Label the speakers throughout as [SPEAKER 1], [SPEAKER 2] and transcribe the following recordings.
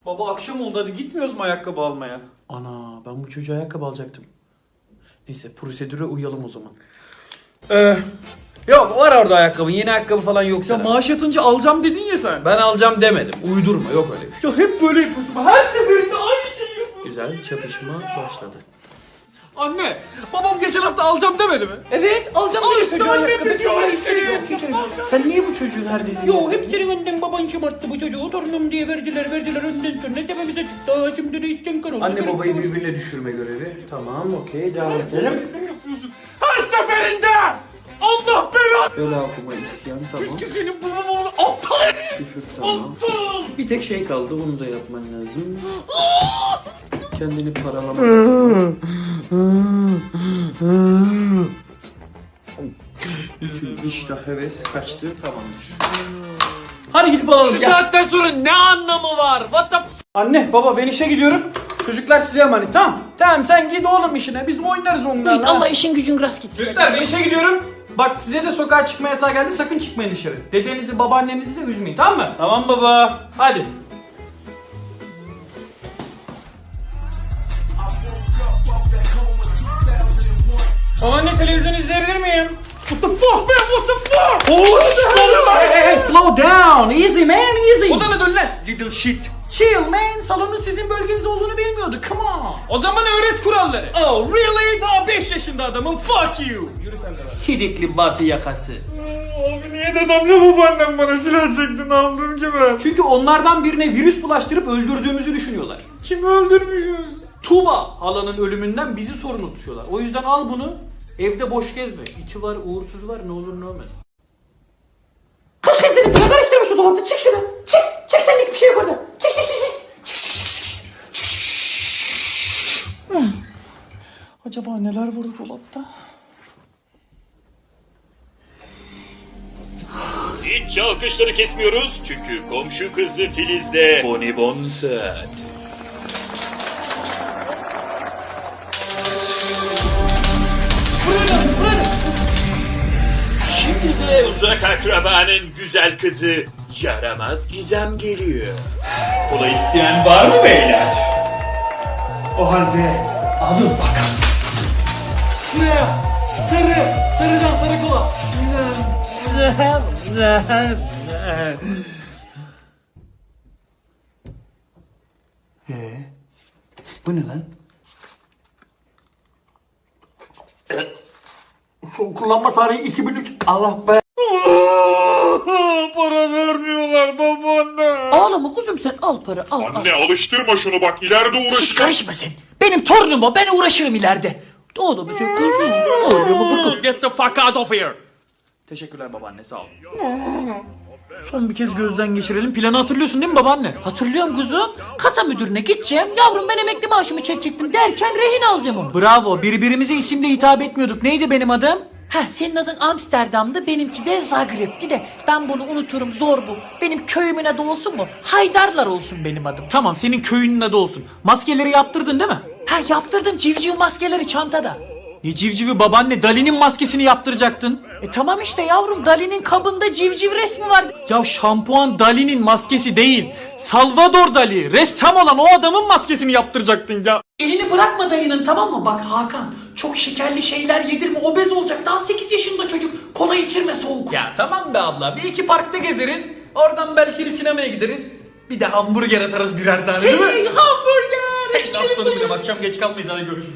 [SPEAKER 1] Baba akşam oldu, hadi gitmiyoruz mu ayakkabı almaya?
[SPEAKER 2] Ana, ben bu çocuğa ayakkabı alacaktım. Neyse, prosedüre uyalım o zaman.
[SPEAKER 1] Yok, var orada ayakkabı, yeni ayakkabı falan yok.
[SPEAKER 2] Ya maaş yatınca alacağım dedin ya sen.
[SPEAKER 1] Ben alacağım demedim. Uydurma, yok öyle bir şey.
[SPEAKER 2] Ya hep böyle yapıyorsun. Her seferinde aynı şeyi yapıyorsun.
[SPEAKER 1] Güzel çatışma başladı.
[SPEAKER 2] Anne, babam geçen hafta alacağım demedi mi?
[SPEAKER 3] Evet alacağım
[SPEAKER 2] Al
[SPEAKER 3] dedi
[SPEAKER 2] işte
[SPEAKER 3] çocuğa
[SPEAKER 2] annem de
[SPEAKER 3] ayakkabı.
[SPEAKER 2] diyor,
[SPEAKER 3] Vallahi
[SPEAKER 2] işte
[SPEAKER 3] yok, hiç öyle bir şey. Sen niye bu çocuğun her dediğini
[SPEAKER 4] Yo hep senin önden baban şımarttı bu çocuğu. Torunum diye verdiler önden sonra tepemize çıktı. Aa, şimdi de işten kar oldu.
[SPEAKER 1] Anne babayı birbirine düşürme görevi. Tamam, okey, devam edelim.
[SPEAKER 2] Her seferinde! Allah belanı!
[SPEAKER 1] Öyle okuma, isyan, tamam.
[SPEAKER 2] Senin babam aptal herif!
[SPEAKER 1] Küfür, tamam. Bir tek şey kaldı, onu da yapman lazım. Kendini paralamak. İştah, heves kaçtı, tamamdır.
[SPEAKER 3] Hadi gidip alalım
[SPEAKER 2] Şu
[SPEAKER 3] gel.
[SPEAKER 2] saatten sonra ne anlamı var? What the
[SPEAKER 3] Anne baba ben işe gidiyorum. Çocuklar size emanet tamam. Tamam sen git oğlum işine biz oynarız onlarla.
[SPEAKER 4] Git Allah işin gücün rast gitsin.
[SPEAKER 3] Çocuklar ben işe gidiyorum. Bak size de sokağa çıkma yasağı geldi sakın çıkmayın dışarı. Dedenizi babaannenizi de üzmeyin tamam mı?
[SPEAKER 2] Tamam baba.
[SPEAKER 3] Hadi. Babaanne televizyon izleyebilir miyim? What the fuck man what the fuck? Hey, slow down easy man easy.
[SPEAKER 2] Odana dön lan. Little shit.
[SPEAKER 3] Chill man salonun sizin bölgeniz olduğunu bilmiyordu come on.
[SPEAKER 2] O zaman öğret kuralları. Oh really? Daha 5 yaşında adamım. Fuck you. Yürü sen de lan.
[SPEAKER 4] Sidikli batı yakası.
[SPEAKER 2] Abi niye dedemle babaannem bana silah çekti, ne yaptım ki ben?
[SPEAKER 3] Çünkü onlardan birine virüs bulaştırıp öldürdüğümüzü düşünüyorlar.
[SPEAKER 2] Kimi öldürmüşüz?
[SPEAKER 3] Tuğba halanın ölümünden bizi sorumlu tutuyorlar. O yüzden al bunu evde boş gezme. İti var uğursuz var ne olur ne olmaz.
[SPEAKER 4] Kaç kez dedim sana karıştırma şu dolapta çık şuradan. Çık. Çık senlik bir şey yok orada. Çık çık çık çık.
[SPEAKER 3] Acaba neler var o dolapta?
[SPEAKER 5] Hiç alkışları kesmiyoruz çünkü komşu kızı Filiz'de bonibon saat. Şimdi de uzak akrabanın güzel kızı yaramaz Gizem geliyor. Kola isteyen var mı beyler?
[SPEAKER 2] O halde alın bakalım.
[SPEAKER 3] Şuraya sarıdan sarı kola. Bu ne lan? Son kullanma tarihi 2003. Allah be.
[SPEAKER 2] Para vermiyorlar babaanne.
[SPEAKER 4] Ağlama kuzum sen al para al al.
[SPEAKER 5] Anne alıştırma şunu bak ileride
[SPEAKER 4] Sus
[SPEAKER 5] uğraşacak.
[SPEAKER 4] karışma sen. Benim torunum o ben uğraşırım ileride. Oğlum sen kuzum. Oğlum
[SPEAKER 2] Get the fuck out of here. Teşekkürler babaanne, sağ ol.
[SPEAKER 3] Son bir kez gözden geçirelim. Planı hatırlıyorsun değil mi babaanne?
[SPEAKER 4] Hatırlıyorum kuzum. Kasa müdürüne gideceğim. Yavrum ben emekli maaşımı çekecektim derken rehin alacağım onu.
[SPEAKER 3] Bravo. Birbirimize isimle hitap etmiyorduk. Neydi benim adım?
[SPEAKER 4] Heh senin adın Amsterdam'dı benimki de Zagreb'ti de ben bunu unuturum zor bu. Benim köyümün adı olsun mu? Haydarlar olsun benim adım.
[SPEAKER 3] Tamam senin köyünün adı olsun. Maskeleri yaptırdın değil mi?
[SPEAKER 4] Ha yaptırdım civciv maskeleri çantada.
[SPEAKER 3] Ne civcivi babaanne? Dali'nin maskesini yaptıracaktın.
[SPEAKER 4] Tamam işte yavrum Dali'nin kabında civciv resmi vardı.
[SPEAKER 3] Ya şampuan Dali'nin maskesi değil. Salvador Dali. Ressam olan o adamın maskesini yaptıracaktın ya.
[SPEAKER 4] Elini bırakma dayının tamam mı? Bak Hakan çok şekerli şeyler yedirme obez olacak. Daha 8 yaşında çocuk. Kola içirme soğuk.
[SPEAKER 3] Ya tamam be abla. Bir iki parkta gezeriz. Oradan belki bir sinemaya gideriz. Bir de hamburger atarız birer tane değil mi?
[SPEAKER 4] Hey hamburger.
[SPEAKER 3] Aslanım benim akşam geç kalmayız hadi görüşürüz.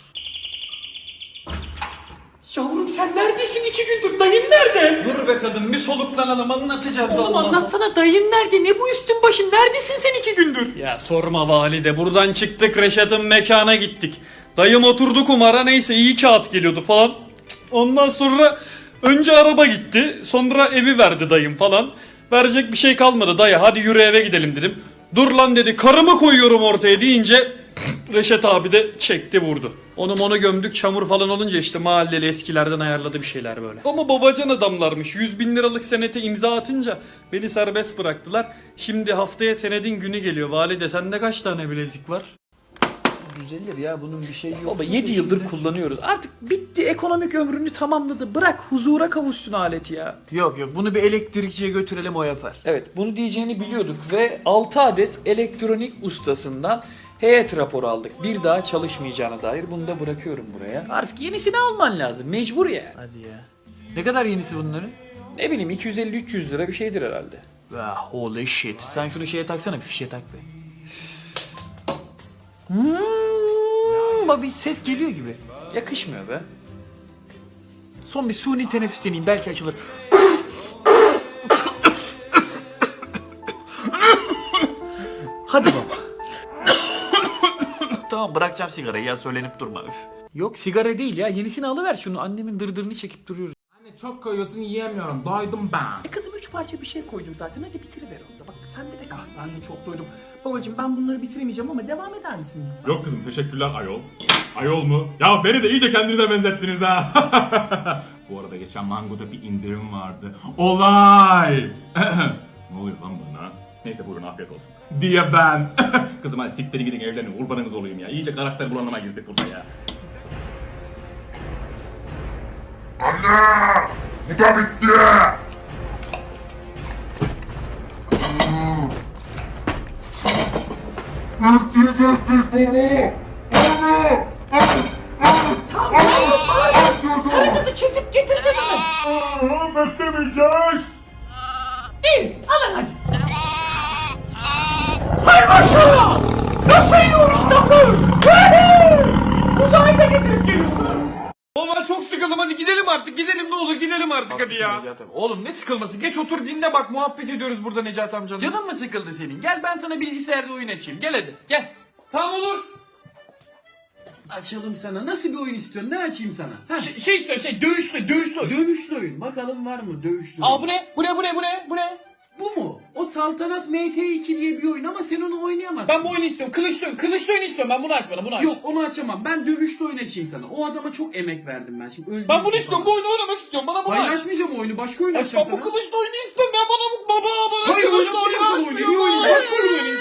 [SPEAKER 4] Yavrum sen neredesin 2 gündür? Dayın nerede?
[SPEAKER 3] Dur be kadın bir soluklanalım anlatacağız.
[SPEAKER 4] Oğlum
[SPEAKER 3] Allah.
[SPEAKER 4] anlatsana dayın nerede? Ne bu üstün başın? Neredesin sen 2 gündür?
[SPEAKER 2] Ya sorma valide, buradan çıktık Reşat'ın mekana gittik. Dayım oturdu kumara, neyse iyi kağıt geliyordu falan. Ondan sonra önce araba gitti, sonra evi verdi dayım falan. Verecek bir şey kalmadı dayı, hadi yürü eve gidelim dedim. Dur lan dedi, karımı koyuyorum ortaya deyince Reşat abi de çekti vurdu. Onu gömdük, çamur falan olunca işte mahalleli eskilerden ayarladı bir şeyler böyle. Ama babacan adamlarmış, 100.000 liralık senete imza atınca beni serbest bıraktılar. Şimdi haftaya senedin günü geliyor. Valide sende kaç tane bilezik var? 1,
[SPEAKER 1] Düzelir ya, bunun bir şey yok.
[SPEAKER 3] Baba 7 yıldır kullanıyoruz. Artık bitti, ekonomik ömrünü tamamladı. Bırak huzura kavuşsun alet ya.
[SPEAKER 1] Yok bunu bir elektrikçiye götürelim, o yapar.
[SPEAKER 3] Evet, bunu diyeceğini biliyorduk ve 6 adet elektronik ustasından heyet raporu aldık. Bir daha çalışmayacağına dair, bunu da bırakıyorum buraya. Artık yenisini alman lazım, mecbur ya.
[SPEAKER 1] Hadi ya. Ne kadar yenisi bunların?
[SPEAKER 3] Ne bileyim 250-300 lira bir şeydir herhalde.
[SPEAKER 1] Holy shit. Sen şunu şeye taksana, bir fişe tak be. Bak bir ses geliyor gibi.
[SPEAKER 3] Yakışmıyor be.
[SPEAKER 1] Son bir suni teneffüs deneyeyim, belki açılır. Hadi baba. Tamam, bırakacağım sigarayı ya, söylenip durma. Üf. Yok sigara değil ya, yenisini alıver şunu. Annemin dırdırını çekip duruyoruz.
[SPEAKER 6] Anne çok koyuyorsun, yiyemiyorum. Doydum ben.
[SPEAKER 3] Kızım 3 parça bir şey koydum zaten, hadi bitiriver onu da. Bak sende de kal. Ben de çok doydum. Babacığım ben bunları bitiremeyeceğim ama devam eder misin?
[SPEAKER 6] Yok kızım, teşekkürler ayol. Ayol mu? Ya beni de iyice kendinize benzettiniz ha. Bu arada geçen Mango'da bir indirim vardı. Olay! Ne oluyor lan bana? Neyse buyurun, afiyet olsun. Diye ben. Kızım hadi siktirin gidin evlenin, kurbanınız olayım ya. İyice karakter bulanıma girdik burada ya.
[SPEAKER 7] Bu da bitti. Öldürecektik baba.
[SPEAKER 4] Sarımızı kesip getireceğim hemen.
[SPEAKER 7] Beklemeyeceğiz.
[SPEAKER 4] İyi alın hadi. Hay maşallah. Nasıl yiyor iştahlar? Uzayı da getirip geliyorlar.
[SPEAKER 2] Oğlum ben çok sıkıldım, hadi gidelim artık, gidelim ne olur, gidelim artık hadi ya. Oğlum ne sıkılması, geç otur dinle bak, muhabbet ediyoruz burada Necati amcanın.
[SPEAKER 1] Canın mı sıkıldı senin? Gel ben sana bilgisayarda oyun açayım. Gel hadi.
[SPEAKER 2] Gel. Tamam olur.
[SPEAKER 1] Açalım sana. Nasıl bir oyun istiyorsun? Ne açayım sana? Ha?
[SPEAKER 2] Şey istiyor, dövüşlü.
[SPEAKER 1] Dövüşlü oyun. Bakalım var mı dövüşlü
[SPEAKER 2] Aa
[SPEAKER 1] oyun?
[SPEAKER 2] bu ne?
[SPEAKER 1] Bu mu? O Saltanat MT2 diye bir oyun ama sen onu oynayamazsın.
[SPEAKER 2] Ben bu oyunu istiyorum, kılıçlı oyunu istiyorum, ben bunu aç bana, bunu aç.
[SPEAKER 1] Yok onu açamam. Ben dövüşlü oyun açayım sana. O adama çok emek verdim ben. Şimdi öldüm.
[SPEAKER 2] Ben bunu istiyorum, bu oyunu oynamak istiyorum, bana bunu
[SPEAKER 1] Hayır
[SPEAKER 2] aç.
[SPEAKER 1] açmayacağım oyunu. Başka oyun
[SPEAKER 2] Aç
[SPEAKER 1] açacağım
[SPEAKER 2] ben bu
[SPEAKER 1] sana.
[SPEAKER 2] kılıçlı oyunu istiyorum, ben bana bu baba.
[SPEAKER 1] Hayır oynamayacağım sana oyunu. Niye oynayayım? Başka oyun oynayayım.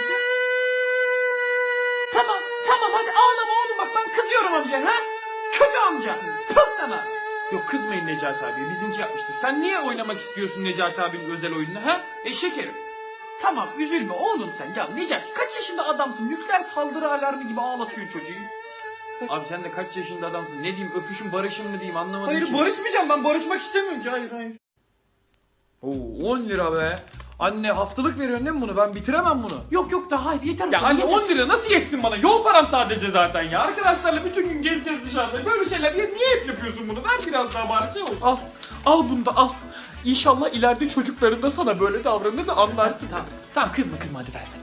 [SPEAKER 4] Tamam hadi ağlama oğlum, bak ben kızıyorum amca ha. Kötü amca. Tut sana.
[SPEAKER 2] Yok kızmayın Necati abi, bizimki yapmıştır. Sen niye oynamak istiyorsun Necati abinin özel oyununu ha? Eşek herif.
[SPEAKER 4] Tamam üzülme oğlum sen. Ya Necati kaç yaşında adamsın? Nükleer saldırı alarmı gibi ağlatıyorsun çocuğu.
[SPEAKER 1] Abi sen de kaç yaşında adamsın? Ne diyeyim? Öpüşün barışın mı diyeyim? Anlamadım
[SPEAKER 2] Hayır
[SPEAKER 1] ki.
[SPEAKER 2] barışmayacağım, ben barışmak istemiyorum ki, hayır.
[SPEAKER 1] Oo 10 lira be. Anne haftalık veriyorsun değil mi bunu? Ben bitiremem bunu.
[SPEAKER 4] Yok daha hayır yeter.
[SPEAKER 2] Ya anne 10 lira nasıl yetsin bana? Yol param sadece zaten ya. Arkadaşlarla bütün gün gezeceğiz dışarıda. Böyle şeyler niye hep yapıyorsun bunu? Ver biraz daha bari şey olsun. Al bunu da al. İnşallah ileride çocukların da sana böyle davranır da anlarsın.
[SPEAKER 4] Tamam kızma hadi ver.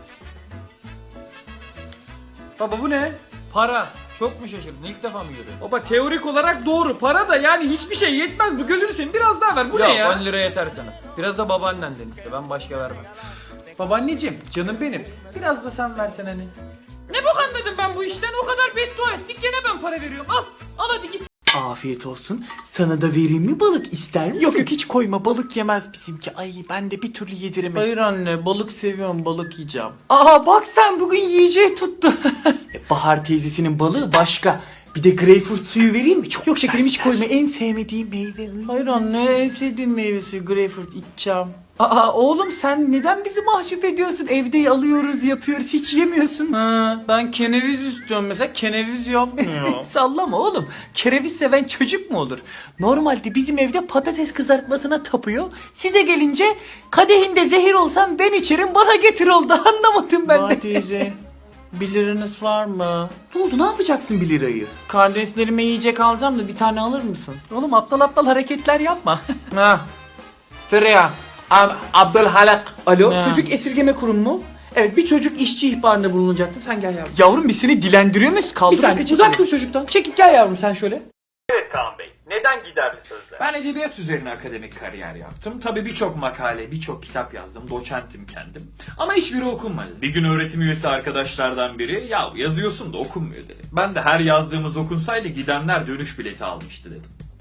[SPEAKER 1] Baba bu ne? Para. Çok mu şaşırdın? İlk defa mı görüyorsun?
[SPEAKER 2] Baba teorik olarak doğru. Para da yani hiçbir şey yetmez bu. Gözünü seveyim biraz daha ver. Bu ne ya?
[SPEAKER 1] 10 lira yeter sana. Biraz da babaannenden iste. Ben başka vermem. Babaanneciğim, canım benim. Biraz da sen versen hani.
[SPEAKER 2] Ne bok anladım ben bu işten? O kadar beddua ettik gene ben para veriyorum. Al hadi git.
[SPEAKER 4] Afiyet olsun. Sana da vereyim mi balık, ister misin? Yok hiç koyma, balık yemez bizimki. Ay ben de bir türlü yediremedim.
[SPEAKER 1] Hayır anne, balık seviyorum. Balık yiyeceğim.
[SPEAKER 4] Aa bak sen bugün yiyeceği tuttu. Bahar teyzesinin balığı başka. Bir de greyfurt suyu vereyim mi? Çok yok şekerim hiç koyma, en sevmediğim meyve.
[SPEAKER 1] Hayır anne, en sevdiğim meyvesi greyfurt, içeceğim.
[SPEAKER 4] Aa oğlum sen neden bizi mahcup ediyorsun? Evde alıyoruz yapıyoruz hiç yemiyorsun.
[SPEAKER 1] Ha, ben keneviz istiyorum mesela. Keneviz yapmıyor.
[SPEAKER 4] Sallama oğlum. Kereviz seven çocuk mu olur? Normalde bizim evde patates kızartmasına tapıyor. Size gelince kadehinde zehir olsam ben içerim bana getir oldu. Anlamadım ben de.
[SPEAKER 1] Bahar teyze, 1 liranız var mı?
[SPEAKER 4] Ne oldu, ne yapacaksın 1 lirayı?
[SPEAKER 1] Kardeşlerime yiyecek alacağım da bir tane alır mısın?
[SPEAKER 4] Oğlum aptal hareketler yapma.
[SPEAKER 1] Ha. Sıraya. Abdülhalak.
[SPEAKER 4] Alo
[SPEAKER 1] Ha.
[SPEAKER 4] çocuk esirgeme kurumu mu? Evet bir çocuk işçi ihbarında bulunacaktı. Sen gel yavrum. Yavrum biz seni dilendiriyor muyuz? Kaldır bir saniye uzak dur çocuktan. Çekil gel yavrum sen şöyle.
[SPEAKER 5] Evet Kaan Bey, neden giderli sözler?
[SPEAKER 3] Ben edebiyat üzerine akademik kariyer yaptım. Tabii birçok makale, birçok kitap yazdım. Doçentim kendim. Ama hiçbiri okunmadı. Bir gün öğretim üyesi arkadaşlardan biri yazıyorsun da okunmuyor dedi. Ben de her yazdığımız okunsaydı gidenler dönüş bileti almıştı dedim.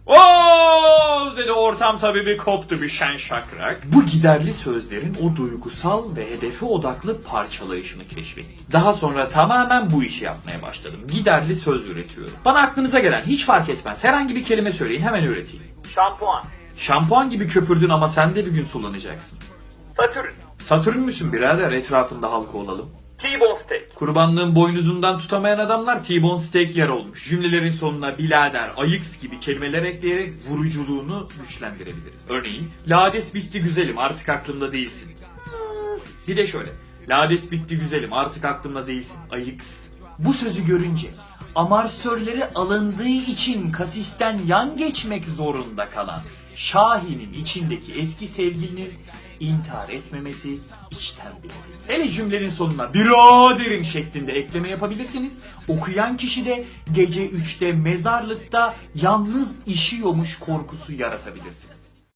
[SPEAKER 3] Oo dedi, ortam tabii bir koptu, bir şen şakrak. Bu giderli sözlerin o duygusal ve hedefe odaklı parçalayışını keşfettim. Daha sonra tamamen bu işi yapmaya başladım. Giderli söz üretiyorum. Bana aklınıza gelen, hiç fark etmez, herhangi bir kelime söyleyin, hemen üreteyim. Şampuan. Şampuan gibi köpürdün ama sen de bir gün sullanacaksın. Satürn. Satürn müsün birader, etrafında halka olalım. T-bone steak. Kurbanlığın boynuzundan tutamayan adamlar T-bone steak yer olmuş. Cümlelerin sonuna birader, ayıks gibi kelimeler ekleyerek vuruculuğunu güçlendirebiliriz. Örneğin, lades bitti güzelim, artık aklımda değilsin. Bir de şöyle, lades bitti güzelim, artık aklımda değilsin, ayıks. Bu sözü görünce amarsörleri alındığı için kasisten yan geçmek zorunda kalan Şahin'in içindeki eski sevgilinin intihar etmemesi içten bile. Hele cümlenin sonuna biraderim şeklinde ekleme yapabilirsiniz. Okuyan kişi de gece 3'te mezarlıkta yalnız işiyormuş korkusu yaratabilirsiniz.